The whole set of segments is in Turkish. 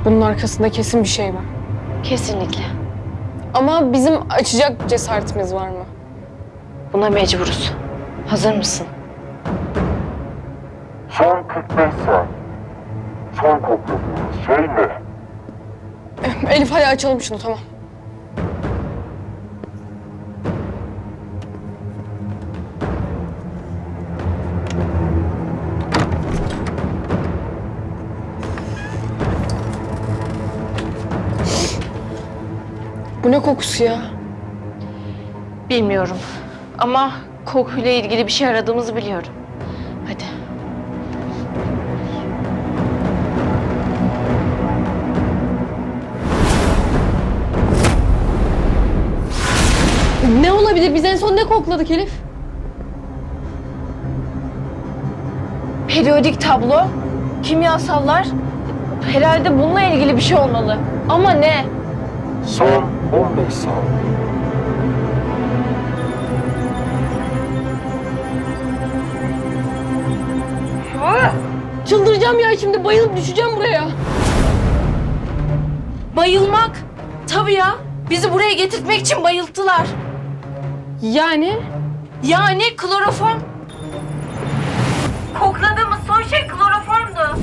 Bunun arkasında kesin bir şey var. Kesinlikle. Ama bizim açacak cesaretimiz var mı? Buna mecburuz. Hazır mısın? Son 45 saniye. Son kokladığınız şey ne? Elif hadi açalım şunu, tamam. Bu ne kokusu ya? Bilmiyorum. Ama kokuyla ilgili bir şey aradığımızı biliyorum. Hadi. Ne olabilir? Biz en son ne kokladık Elif? Periyodik tablo, kimyasallar. Herhalde bununla ilgili bir şey olmalı. Ama ne? Son 15 saniye. Çıldıracağım ya, şimdi bayılıp düşeceğim buraya. Bayılmak. Tabii ya. Bizi buraya getirtmek için bayılttılar. Yani? Yani kloroform. Kokladığımız son şey kloroformdu.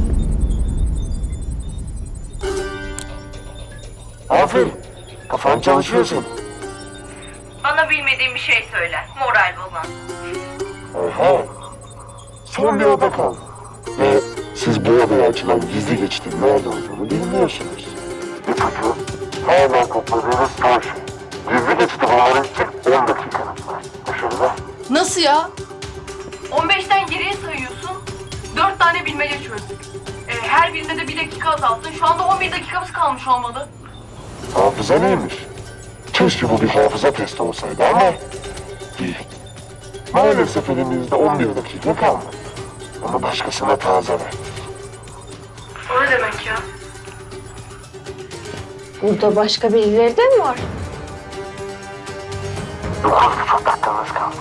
Aferin. Kafan çalışıyorsun. Bana bilmediğim bir şey söyle. Moral bozan. Oha. Son bir oda kaldı. Ve siz bu odaya açılan gizli geçitin nerede olduğunu bilmiyorsunuz. İpucu hemen kokladığınız son şey. Gizli geçiti bulmanız için 10 dakikanız var. Dışarıda. Nasıl ya? 15'ten geriye sayıyorsun. 4 tane bilmece çözdük. Her birinde de 1 dakika azalttın. Şu anda 11 dakikamız kalmış olmalı. Hafıza neymiş? Keşke bu bir hafıza testi olsaydı ama değil. Maalesef elimizde 11 dakika kalmadı. Onu başkasına taze ver. O ne demek ya? Burada başka birileri de mi var? 9,5 dakikanız kaldı.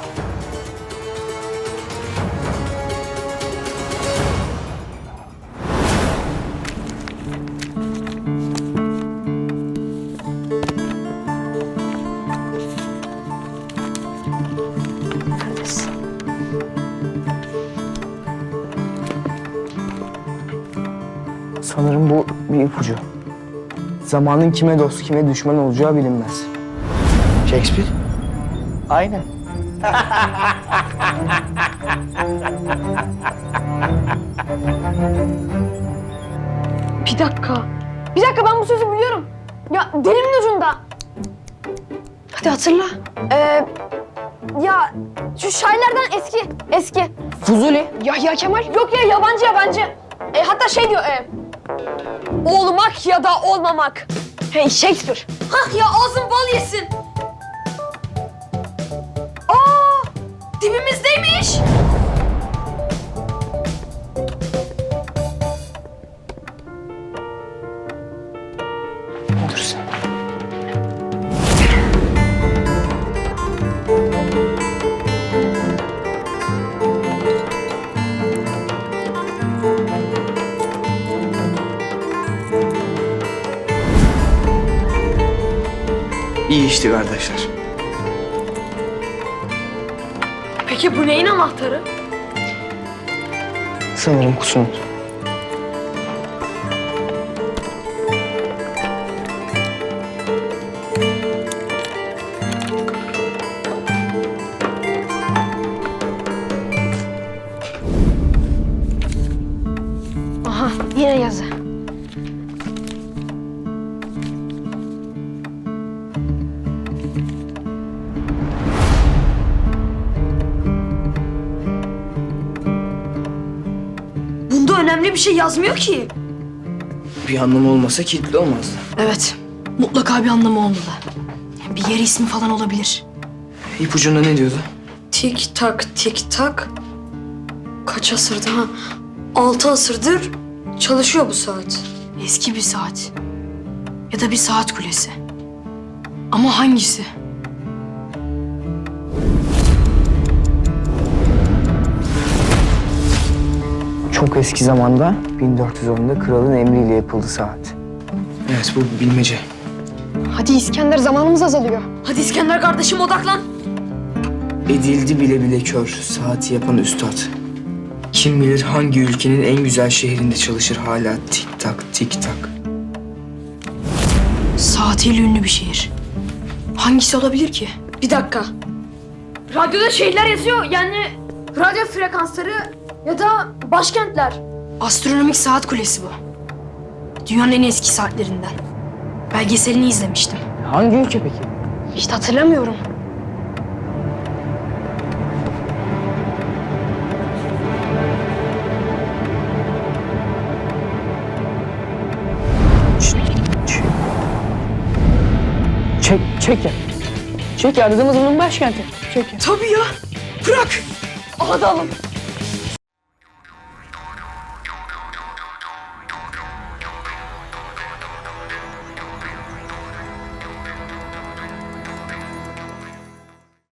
Neredesin? Sanırım bu bir ipucu. Zamanın kime dost, kime düşman olacağı bilinmez. Shakespeare? Aynen. Bir dakika. Bir dakika, ben bu sözü biliyorum. Ya dilimin ucunda. Hadi hatırla. Ya şu şairlerden eski. Fuzuli. Yahya Kemal. Yok ya, yabancı. Hatta şey diyor. Olmak ya da olmamak. Hey, Shakespeare. Hah ya, ağzın bal yesin. Aa, dibimizdeymiş. Dur sen. İyi işti kardeşler. Peki bu neyin anahtarı? Sanırım kusunut. Aha, yine yazı. Bunda önemli bir şey yazmıyor ki. Bir anlamı olmasa kilitli olmazdı. Evet, mutlaka bir anlamı olmalı. Bir yer ismi falan olabilir. İpucunda ne diyordu? Tik tak tik tak. Kaç asırda? Ha, 6 asırdır çalışıyor bu saat. Eski bir saat. Ya da bir saat kulesi. Ama hangisi? Çok eski zamanda 1410'da kralın emriyle yapıldı saat. Evet bu bilmece. Hadi İskender, zamanımız azalıyor. Hadi İskender kardeşim odaklan. Edildi bile bile kör saati yapan üstad. Kim bilir hangi ülkenin en güzel şehrinde çalışır hala tik tak tik tak. Saatiyle ünlü bir şehir. Hangisi olabilir ki? Bir dakika. Radyoda şeyler yazıyor yani radyo frekansları ya da başkentler. Astronomik saat kulesi bu. Dünyanın en eski saatlerinden. Belgeselini izlemiştim. Hangi ülke peki? İşte hatırlamıyorum. Çek ya. Çek ya, aradığımız bunun başkenti. Çek ya. Tabii ya. Bırak. Hadi oğlum.